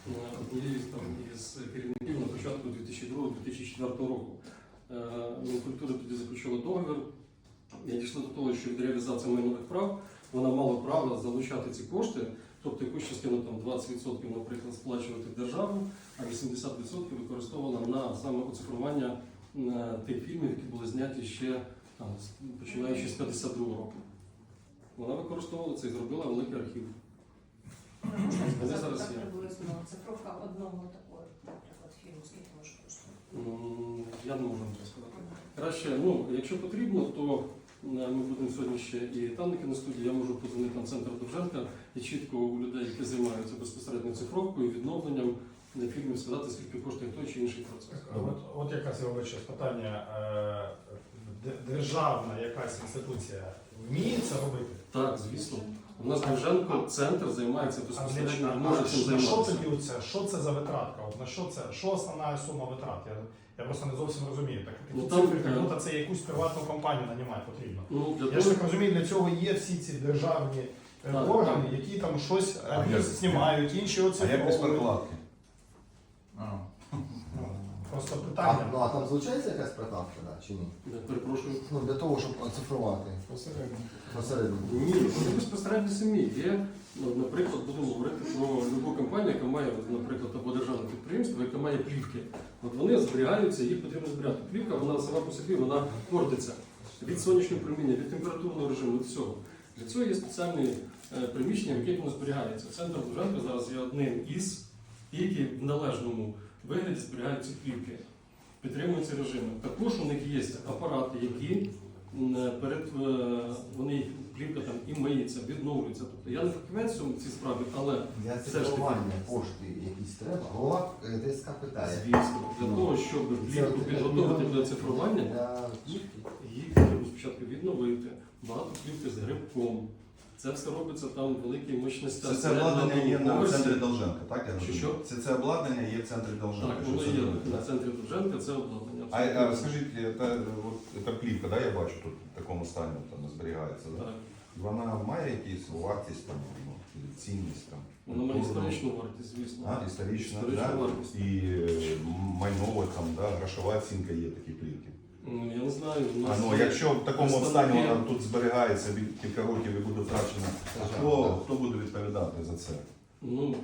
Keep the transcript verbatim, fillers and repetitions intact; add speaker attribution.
Speaker 1: однією із керівників на початку дві тисячі другого - дві тисячі четвертого року. Мінкультури тоді заключила договір. Я дійшла до того, що від реалізації майнових прав вона мала право залучати ці кошти, тобто якусь частину там двадцять відсотків, наприклад, сплачувати в державу, а вісімдесят відсотків використовувала на саме оцифрування тих фільмів, які були зняті ще там, починаючи з п'ятдесят другого року. Вона використовувала це і зробила великий архів.
Speaker 2: Можна сказати, так приблизно цифровка одного такого, наприклад, фільму, скільки може коштувати?
Speaker 1: Я не можу вам це сказати. Краще, ну, якщо потрібно, то ми будемо сьогодні ще і танники на студії, я можу подзвонити на центр Довженка і чітко у людей, які займаються безпосередньо цифровкою, відновленням фільмів, сказати, скільки коштує той чи інший процес.
Speaker 3: От, от якраз я вибачаю питання, державна якась інституція вміє це робити?
Speaker 1: Так, звісно. У нас Довженко центр займається безпосередньо, може цим
Speaker 3: на що
Speaker 1: займатися.
Speaker 3: тоді оце? Що це за витратка? От на що це? Що основна сума витрат? Я, я просто не зовсім розумію. Так, такі
Speaker 1: Ну, там,
Speaker 3: цифри,
Speaker 1: е,
Speaker 3: як будто це якусь приватну компанію нанімати потрібно.
Speaker 1: Ну, для
Speaker 3: Я ж
Speaker 1: того,
Speaker 3: так розумію, для цього є всі ці державні е,
Speaker 1: Так,
Speaker 3: органи,
Speaker 1: так.
Speaker 3: які там щось
Speaker 4: А
Speaker 3: одні
Speaker 4: як-
Speaker 3: знімають, інші
Speaker 4: А як без
Speaker 3: оцифровують.
Speaker 4: прокладки?
Speaker 3: Ну, Просто
Speaker 5: А,
Speaker 3: питання.
Speaker 5: ну, а там звучається якась прокладка, да, чи ні?
Speaker 1: я перепрошую.
Speaker 5: Ну, для того, щоб оцифрувати посередньо.
Speaker 1: Ні, вони безпосередньо самі є. Ну, наприклад, будемо говорити про любу компанію, яка має, наприклад, або державне підприємство, яке має плівки. От вони зберігаються, їх потрібно зберігати. Плівка, вона сама по собі, вона портиться від сонячного проміння, від температурного режиму, від всього. Для цього є спеціальні е, приміщення, в яких воно зберігається. Центр Довженка зараз є одним із, які в належному вигляді зберігають ці плівки, підтримують ці режими. Також у них є апарати, які м, перед е, вони плівка там і миється, відновлюється. Тобто я не фахівець в цій справі, але
Speaker 5: Для
Speaker 1: все ж таки,
Speaker 5: цифрування кошти якісь треба. Голова е, ТСК питає.
Speaker 1: звісно, для того, щоб плівку підготувати до цифрування,
Speaker 5: Для плівки.
Speaker 1: їх треба спочатку відновити, багато плівки з грибком. Це все робиться там великі мощності.
Speaker 4: Це, це обладнання є на центрі Довженка, так? Я
Speaker 1: Що,
Speaker 4: розумію?
Speaker 1: що?
Speaker 4: Це, це обладнання є в центрі Довженка.
Speaker 1: Так,
Speaker 4: що
Speaker 1: воно
Speaker 4: це
Speaker 1: є
Speaker 4: робить,
Speaker 1: на
Speaker 4: так?
Speaker 1: центрі Довженка, це обладнання.
Speaker 4: А, а скажіть, та, от, та плівка, да, я бачу тут в такому стані там зберігається, да?
Speaker 1: Так.
Speaker 4: Вона має якісь вартість, там, ну, цінність там?
Speaker 1: Воно має
Speaker 4: культурну?
Speaker 1: історичну вартість, звісно.
Speaker 4: А, історична,
Speaker 1: Історична
Speaker 4: да?
Speaker 1: вартість.
Speaker 4: І е, майнова, там, да, грошова оцінка є такі плівки.
Speaker 1: Ну, я не знаю. у
Speaker 4: А,
Speaker 1: нас
Speaker 4: ну,
Speaker 1: є
Speaker 4: якщо в такому
Speaker 1: представники-
Speaker 4: стані вона тут зберігається від кілька років і буде втрачена,
Speaker 5: Ага,
Speaker 4: хто,
Speaker 5: так.
Speaker 4: хто буде відповідати за це?
Speaker 1: Ну,